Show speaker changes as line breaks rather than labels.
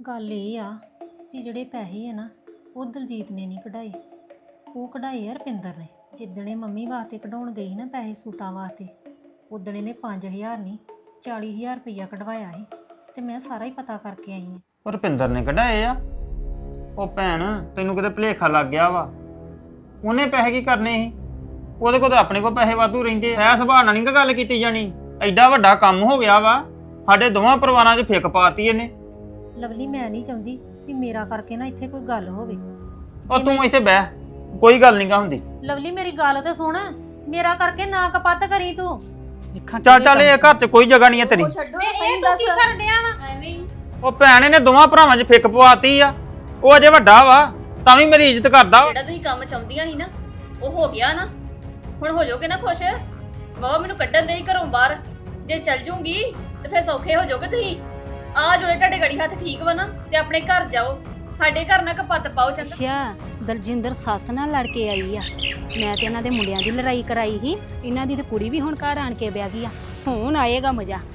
ਗੱਲ ਇਹ ਆ ਵੀ ਜਿਹੜੇ ਪੈਸੇ ਆ ਨਾ ਉਹ ਦਲਜੀਤ ਨੇ ਨਹੀਂ ਕਢਾਏ, ਉਹ ਕਢਾਏ ਆ ਰੁਪਿੰਦਰ ਨੇ। ਜਿੱਦਣੇ ਮੰਮੀ ਵਾਸਤੇ ਕਢਾਉਣ ਗਈ ਸੀ ਨਾ ਪੈਸੇ ਸੂਟਾਂ ਵਾਸਤੇ, ਉਦਣ ਇਹਨੇ 5000 ਨਹੀਂ 40000 ਰੁਪਈਆ ਕਢਵਾਇਆ ਸੀ ਤੇ ਮੈਂ ਸਾਰਾ ਹੀ ਪਤਾ ਕਰਕੇ ਆਈ ਹਾਂ।
ਉਹ ਰੁਪਿੰਦਰ ਨੇ ਕਢਾਏ ਆ? ਉਹ ਭੈਣ ਤੈਨੂੰ ਕਿਤੇ ਭੁਲੇਖਾ ਲੱਗ ਗਿਆ ਵਾ, ਉਹਨੇ ਪੈਸੇ ਕੀ ਕਰਨੇ ਸੀ? ਉਹਦੇ ਕੋਲ ਤਾਂ ਆਪਣੇ ਕੋਲ ਪੈਸੇ ਵਾਧੂ ਰਹਿੰਦੇ। ਐ ਸੁਭਾਅ ਨਾਲ ਨਹੀਂ ਗੱਲ ਕੀਤੀ ਜਾਣੀ, ਐਡਾ ਵੱਡਾ ਕੰਮ ਹੋ ਗਿਆ ਵਾ, ਸਾਡੇ ਦੋਵਾਂ ਪਰਿਵਾਰਾਂ 'ਚ ਫਿੱਕ ਪਾਤੀ ਇਹਨੇ।
ਲਵਲੀ ਮੈਂ ਨਹੀਂ ਚਾਹੁੰਦੀ ਵੀ ਮੇਰਾ ਕਰਕੇ ਨਾ ਇੱਥੇ ਕੋਈ ਗੱਲ ਹੋਵੇ।
ਉਹ ਤੂੰ ਇੱਥੇ ਬਹਿ, ਕੋਈ ਗੱਲ ਨਹੀਂਗਾ ਹੁੰਦੀ।
ਲਵਲੀ ਮੇਰੀ ਗੱਲ ਤੇ ਸੁਣ, ਮੇਰਾ ਕਰਕੇ ਨਾ ਕਪੱਤ ਕਰੀ ਤੂੰ।
ਚੱਲ ਇਹ ਘਰ 'ਚ ਕੋਈ ਜਗ੍ਹਾ ਨਹੀਂ ਹੈ ਤੇਰੀ।
ਇਹ ਤੂੰ ਕੀ ਕਰਨ ਡਿਆ ਵਾ?
ਐਵੇਂ
ਉਹ ਭੈਣ ਇਹਨੇ ਦੋਵਾਂ ਭਰਾਵਾਂ 'ਚ ਫਿੱਕ ਪਵਾਤੀ ਆ, ਉਹ ਅਜੇ ਵੱਡਾ ਵਾ ਤਾਂ ਵੀ ਮੇਰੀ ਇੱਜ਼ਤ ਕਰਦਾ।
ਜਿਹੜਾ ਤੁਸੀਂ ਕੰਮ ਚਾਹੁੰਦੀਆਂ ਸੀ ਨਾ ਉਹ ਹੋ ਗਿਆ ਨਾ, ਹੁਣ ਹੋ ਜਾਓਗੇ ਨਾ ਖੁਸ਼। ਬਹੁਤ ਮੈਨੂੰ ਕੱਢਣ ਦੇ ਹੀ ਘਰੋਂ ਬਾਹਰ, ਜੇ ਚੱਲ ਜੂਗੀ ਤੇ ਫਿਰ ਸੌਖੇ ਹੋ ਜਾਓਗੇ ਤੁਸੀਂ। ਆ ਜੋੜੇ ਤੁਹਾਡੇ ਗੜੀ ਹੱਥ ਠੀਕ ਵਾ ਨਾ ਤੇ ਆਪਣੇ ਘਰ ਜਾਓ, ਸਾਡੇ ਘਰ ਨਾ ਕਪੱਤ ਪਾਓ। ਚੰਗਾ
ਅੱਛਾ, ਦਲਜਿੰਦਰ ਸੱਸ ਨਾਲ ਲੜ ਕੇ ਆਈ ਆ। ਮੈਂ ਤੇ ਇਹਨਾਂ ਦੇ ਮੁੰਡਿਆਂ ਦੀ ਲੜਾਈ ਕਰਾਈ ਸੀ, ਇਹਨਾਂ ਦੀ ਤੇ ਕੁੜੀ ਵੀ ਹੁਣ ਘਰ ਆਣ ਕੇ ਵਿਆਹ ਗਈ ਆ। ਹੁਣ ਆਏਗਾ ਮਜ਼ਾ।